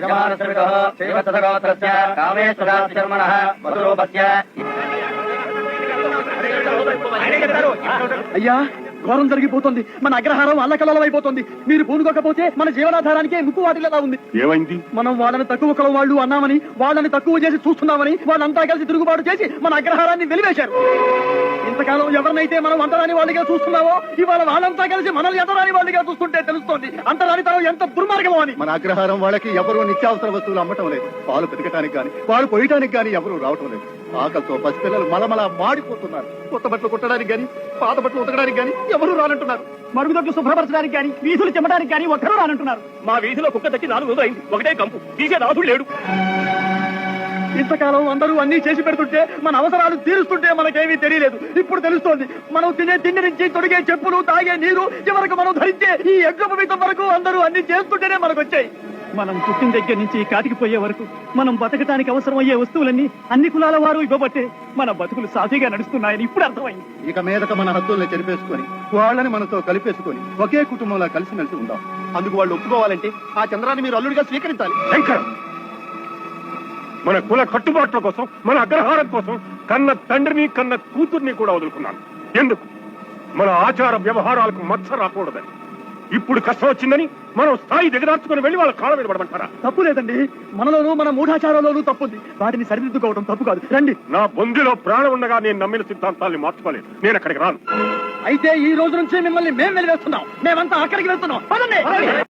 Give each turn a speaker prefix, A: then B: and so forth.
A: అయ్యా, ఘోరం జరిగిపోతుంది. మన అగ్రహారం అల్లకల్లోలం అయిపోతుంది. మీరు పూనుకోకపోతే మన జీవనాధారానికే ముక్కు వాటిల్లా ఉంది.
B: ఏమైంది?
A: మనం వాళ్ళని తక్కువ కులం వాళ్ళు అన్నామని, వాళ్ళని తక్కువ చేసి చూస్తున్నామని వాళ్ళంతా కలిసి తిరుగుబాటు చేసి మన అగ్రహారాన్ని వెలివేశారు. ఇంతకాలం ఎవరినైతే మనం అంటరాని వాళ్ళుగా చూస్తున్నామో, ఇవాళ వాళ్ళంతా కలిసి మనల్ని అంటరాని వాళ్ళుగా చూస్తుంటే తెలుస్తోంది అంటరానితనం ఎంత దుర్మార్గమో అని.
C: మన అగ్రహారం వాళ్ళకి ఎవరు నిత్యావసర వస్తువులు అమ్మటం లేదు. పాలు పెతకటానికి గాని, పాలు పోయటానికి గాని ఎవరు రావటం లేదు. ఆకలితో పసిపిల్లలు మలమల మాడిపోతున్నారు. కొత్త బట్టలు కుట్టడానికి గాని, పాత బట్టలు ఉతకడానికి గాని ఎవరు రానంటున్నారు.
A: మరుగుదొడ్లు శుభ్రపరచడానికి గాని, వీధులు చెమ్మడానికి గాని ఒక్కరూ రానంటున్నారు.
D: మా వీధిలో కుక్క తట్టి 4 రోజులు అయింది. ఒకటే కంపు, తీసే రాజుడు లేడు.
A: ఇంతకాలం అందరూ అన్ని చేసి పెడుతుంటే, మన అవసరాలు తీరుస్తుంటే మనకేమీ తెలియలేదు. ఇప్పుడు తెలుస్తోంది. మనం తినే తిండి నుంచి తొడిగే చెప్పులు, తాగే నీరు, చివరకు మనం ధరించే ఈ యజ్ఞోపవీతం వరకు అందరూ అన్ని చేస్తుంటేనే మనకు వచ్చాయి. మనం పుట్టిన దగ్గర నుంచి కాటికి పోయే వరకు మనం బతకటానికి అవసరమయ్యే వస్తువులన్నీ అన్ని కులాల వారు ఇవ్వబట్టే మన బతుకులు సాఫీగా నడుస్తున్నాయని ఇప్పుడు అర్థమైంది.
C: ఇక మీదట మన హద్దుల్ని చెరిపేసుకొని, వాళ్ళని మనతో కలిపేసుకొని ఒకే కుటుంబంలో కలిసిమెలిసి ఉందాం. అందుకు వాళ్ళు ఒప్పుకోవాలంటే ఆ చంద్రాన్ని మీరు అల్లుడిగా స్వీకరించాలి.
B: శంకర్, మన కుల కట్టుబాట్ల కోసం, మన అగ్రహారం కోసం కన్న తండ్రిని కన్న కూతుర్ని కూడా వదులుకున్నాను. ఎందుకు? మన ఆచార వ్యవహారాలకు మచ్చ రాకూడదని. ఇప్పుడు కష్టం వచ్చిందని మనం స్థాయి దిగదార్చుకుని వెళ్ళి వాళ్ళ కాళ్ళ మీద పడమంటారా?
A: తప్పు లేదండి. మనలోనూ మన మూఢాచారాల్లోనూ తప్పుంది. వాటిని సరిదిద్దుకోవడం తప్పు కాదు. రండి.
B: నా బొందిలో ప్రాణం ఉండగా నేను నమ్మిన సిద్ధాంతాల్ని మార్చుకోలేదు. నేను అక్కడికి రాను.
A: అయితే ఈ రోజు నుంచి మిమ్మల్ని మేం వెలివేస్తున్నాం. మేమంతా అక్కడికి వెళ్తున్నాం. పదండి.